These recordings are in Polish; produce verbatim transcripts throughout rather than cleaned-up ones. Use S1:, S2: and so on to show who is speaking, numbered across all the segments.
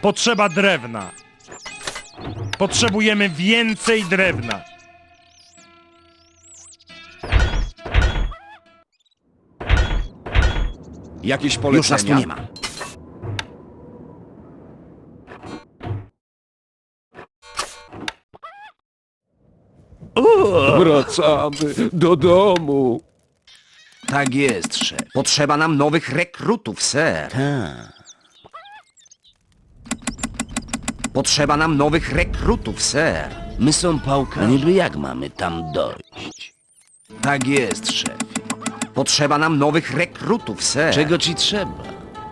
S1: Potrzeba drewna. Potrzebujemy więcej drewna.
S2: Jakieś polecenia?
S3: Już nas tu nie ma.
S2: Wracamy do domu.
S3: Tak jest, szef. Potrzeba nam nowych rekrutów, ser. Potrzeba nam nowych rekrutów, ser.
S4: My są pałka. Niby jak mamy tam dojść?
S3: Tak jest, szef. Potrzeba nam nowych rekrutów, ser.
S4: Czego ci trzeba?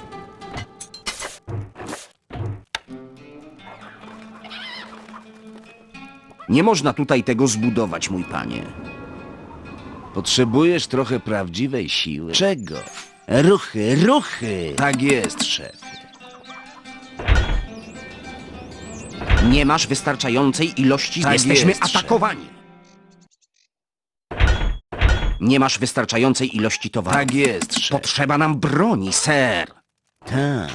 S3: Nie można tutaj tego zbudować, mój panie.
S4: Potrzebujesz trochę prawdziwej siły. Czego? Ruchy, ruchy!
S3: Tak jest, szef. Nie masz wystarczającej ilości...
S4: Tak
S3: Jesteśmy
S4: jest, szef.
S3: atakowani. Nie masz wystarczającej ilości towaru.
S4: Tak jest, szef.
S3: Potrzeba nam broni, ser.
S4: Tak.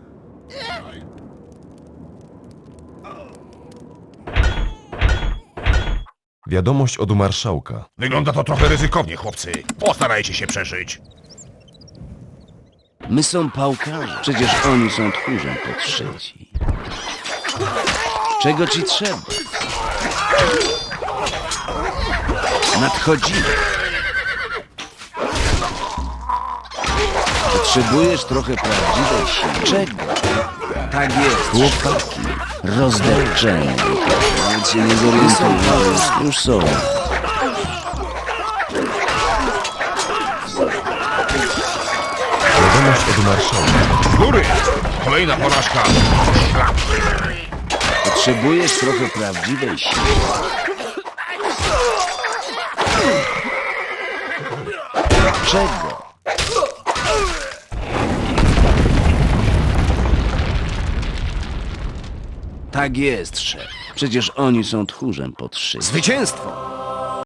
S5: Wiadomość od marszałka.
S6: Wygląda to trochę ryzykownie, chłopcy. Postarajcie się przeżyć.
S4: My są pałkami. Przecież oni są tchórzem podszyci. Czego ci trzeba? Nadchodzimy. Potrzebujesz trochę prawdziwej siły. Czego?
S3: Tak jest.
S4: Chłopaki. Rozdepczeni. Nawet się nie zorientują. Już są.
S5: Wiadomość od marszałka.
S6: Z góry! Kolejna porażka. Szlak.
S4: Potrzebujesz trochę prawdziwej siły. Czego?
S3: Tak jest, szef.
S4: Przecież oni są tchórzem podszyci.
S3: Zwycięstwo!